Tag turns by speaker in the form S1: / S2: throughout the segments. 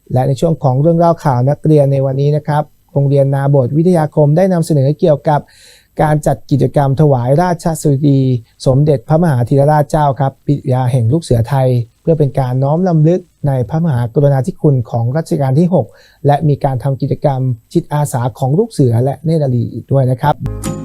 S1: และในช่วงของเรื่องเล่าข่าวนักเรียนในวันนี้นะครับโรงเรียนนาบทวิทยาคมได้นำเสนอเกี่ยวกับการจัดกิจกรรมถวายราชสดุดีสมเด็จพระมหาธีรราชเจ้าครับปิยาแห่งลูกเสือไทยเพื่อเป็นการน้อมรำลึกในพระมหากรุณาธิคุณของรัชกาลที่ 6และมีการทำกิจกรรมจิตอาสาของลูกเสือและเนตรนารีอีกด้วยนะครับ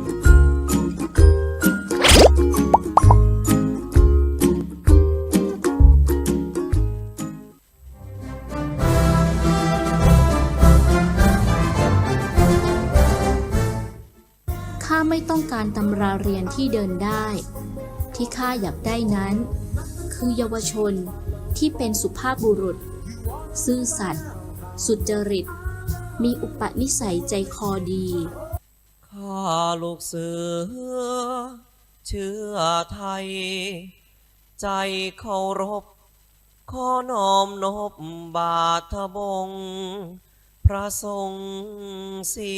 S2: ข้าไม่ต้องการตำราเรียนที่เดินได้ที่ข้าอยากได้นั้นคือเยาวชนที่เป็นสุภาพบุรุษซื่อสัตย์สุจริตมีอุปนิสัยใจคอดี
S3: ข้าลูกเสือเชื้อไทยใจเคารพขอน้อมนบบาทบงพระทรงศรี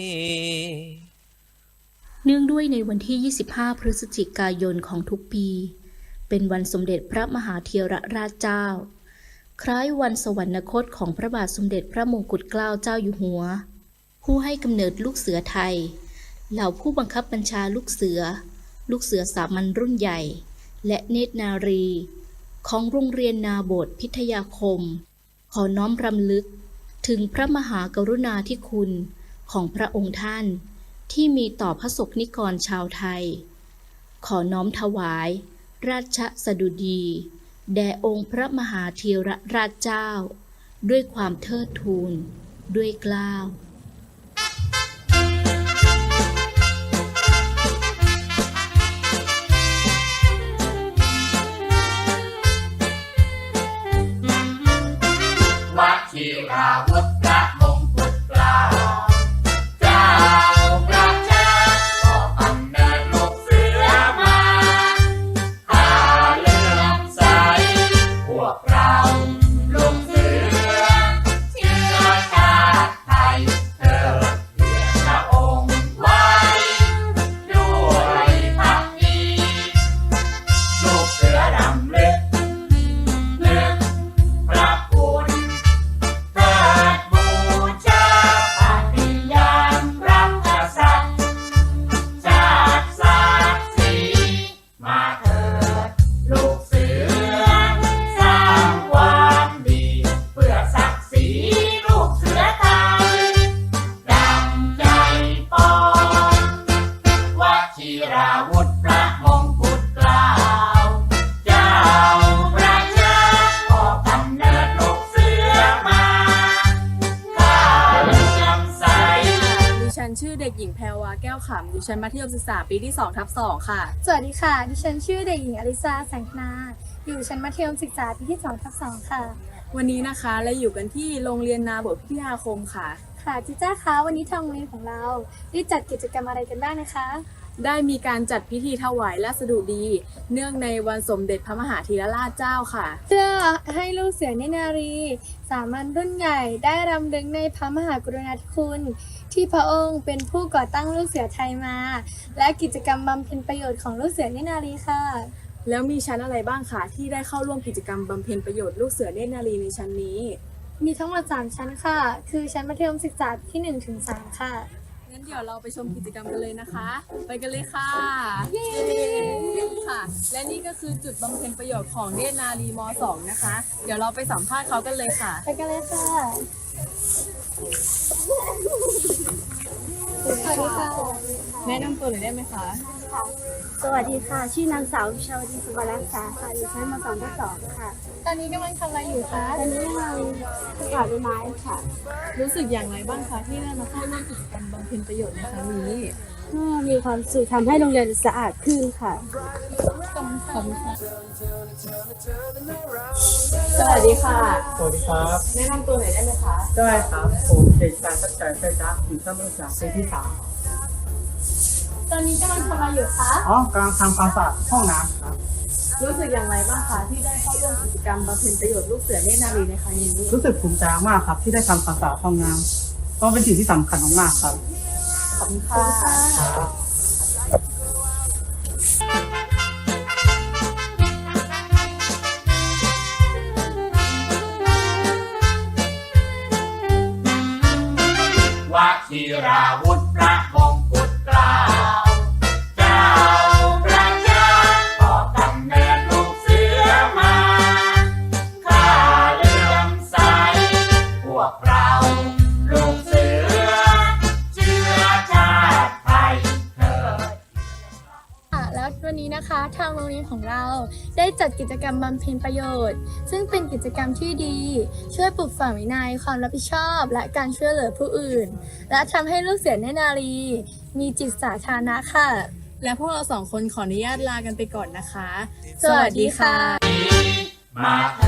S2: เนื่องด้วยในวันที่ 25 พฤศจิกายนของทุกปีเป็นวันสมเด็จพระมหาธีรราชเจ้าคล้ายวันสวรรคตของพระบาทสมเด็จพระมงกุฎเกล้าเจ้าอยู่หัวผู้ให้กำเนิดลูกเสือไทยเหล่าผู้บังคับบัญชาลูกเสือสามัญรุ่นใหญ่และเนตรนารีของโรงเรียนนาบทพิทยาคมขอน้อมรำลึกถึงพระมหากรุณาธิคุณของพระองค์ท่านที่มีต่อพระสงฆ์นิกรชาวไทยขอน้อมถวายราชสดุดีแด่องค์พระมหาธีรราชเจ้าด้วยความเทิดทูนด้วยเกล้า
S4: วชิราวุธพระมงกุฎเกล้าเจ้าประชาก็กำเนิดลูกเสือมาข้าเลื่อมใสพวกเราลูกเสือเชื้อชาติไทยเทิดเกียรติพระองค์ไว้ด้วยภักดีลูกเสือรำลึกนึกพระคุณเทิดบูชาปฏิญาณรักษาชาติศาสตร์ศรีมาเถิดลูกเสือสร้างความดีเพื่อศักดิ์ศรีลูกเสือไทยดังใจปองวชิราวุธพระมงกุฎเกล้าเจ้าประชาก็กำเนิดลูกเสือมาข้าเลื่อมใส
S5: ดิฉันชื่อเด็กหญิงแพรวาแก้วขำอยู่ชั้นมัธยมศึกษาปีที่ 2/2 ค่ะ
S6: สวัสดีค่ะ ดิฉันชื่อเด็กหญิงอลิซาแสงนา อยู่ชั้นมัธยมศึกษาปีที่ 2/2 ค่ะ
S5: วันนี้นะคะเราอยู่กันที่โรงเรียนนาบทพิทยาคมค่ะ
S6: ค่ะจิจ้าคะวันนี้ทางโรงเรียนของเราได้จัดกิจกรรมอะไรกันบ้างนะคะ
S5: ได้มีการจัดพิธีถวายราชสดุดี เนื่องในวันสมเด็จพระมหาธีรราชเจ้าค่ะ
S6: เพื่อให้ลูกเสือเนตรนารีสามัญรุ่นใหญ่ได้รำลึกในพระมหากรุณาธิคุณที่พระองค์เป็นผู้ก่อตั้งลูกเสือไทยมา และกิจกรรมบำเพ็ญประโยชน์ของลูกเสือเนตรนารีค่ะ
S5: แล้วมีชั้นอะไรบ้างคะที่ได้เข้าร่วมกิจกรรมบำเพ็ญประโยชน์ลูกเสือเนตรนารีในชั้นนี้
S6: มีทั้งหมด3ชั้นค่ะ คือชั้นมัธยมศึกษาปีที่ 1-3 ค่ะ
S5: งั้นเดี๋ยวเราไปชมกิจกรรมกันเลยนะคะ ไปกันเลยค่ะค่ะ และนี่ก็คือจุดบำเพ็ญประโยชน์ของเนตรนารีม .2 นะคะ เดี๋ยวเราไปสัมภาษณ์เขากันเลยค่ะ
S6: ไปกันเลยค่ะ สวัสดีค่ะ
S5: แนะนำตัวหน่อยได้ไหมคะ
S7: สวัสดีค่ะ ชื่อนางสาววิชาวดีสุวรรณรักษาค่ะ อยู่ชั้นม .2 ค่ะ
S6: ตอนนี้กำลังทำอะไรอยู่คะ
S7: ตอนนี้กำลังประกาศใบไม้ค่ะ
S5: รู้สึกอย่างไรบ้างคะที่ได้มาเข้าร่วมกิจกรรมบำเพ็ญประโยชน์ในครั้งนี้
S7: ก็มีความสุขทำให้โรงเรียนสะอาดขึ้นค่ะ
S5: ขอบคุณค่ะ สวัสดีค่ะ
S8: สวัสดีครับ
S5: แนะนำตัวหน่อยได้ไหมคะ
S8: ได้ครับผมเด็กชายสัจใจไฟจ้าอยู่ชั้นมัธยมศึกษาปีที่
S6: ตอนนี้กำลังทำอะไรอยู่คะ
S8: 3กำลังทำความสะอาดห้องน้ำครับ
S5: รู้สึกอย่างไรบ้างคะที่ได้เข้าร่วมกิจกรรมบำเพ็ญประโยชน์ลูกเสือเนตรนารีในครั้งนี้
S8: รู้สึกภูมิใจมากครับที่ได้ทำความสะอาดห้องน้ำก็เป็นสิ่งที่สำคัญมากๆครับ
S5: ขอบคุณค่ะ
S8: ครับ
S4: วชิราวุธพระมงกุฎเกล้าเจ้าประชาก่อกำเนิดลูกเสือมาข้าเลื่อมใสพวกเราลูกเสือเชื้อชาติไทยเถิด
S6: แล้ววันนี้นะคะทางโรงเรียนของเราได้จัดกิจกรรมบำเพ็ญประโยชน์ ซึ่งเป็นกิจกรรมที่ดี ช่วยปลูกฝังวินัยความรับผิดชอบ และการช่วยเหลือผู้อื่น และทำให้ลูกเสือเนตรนารีมีจิตสาธารณะค่ะ
S5: และพวกเราสองคนขออนุญาตลากันไปก่อนนะคะ
S6: สวัสดีค่ะ
S4: มาท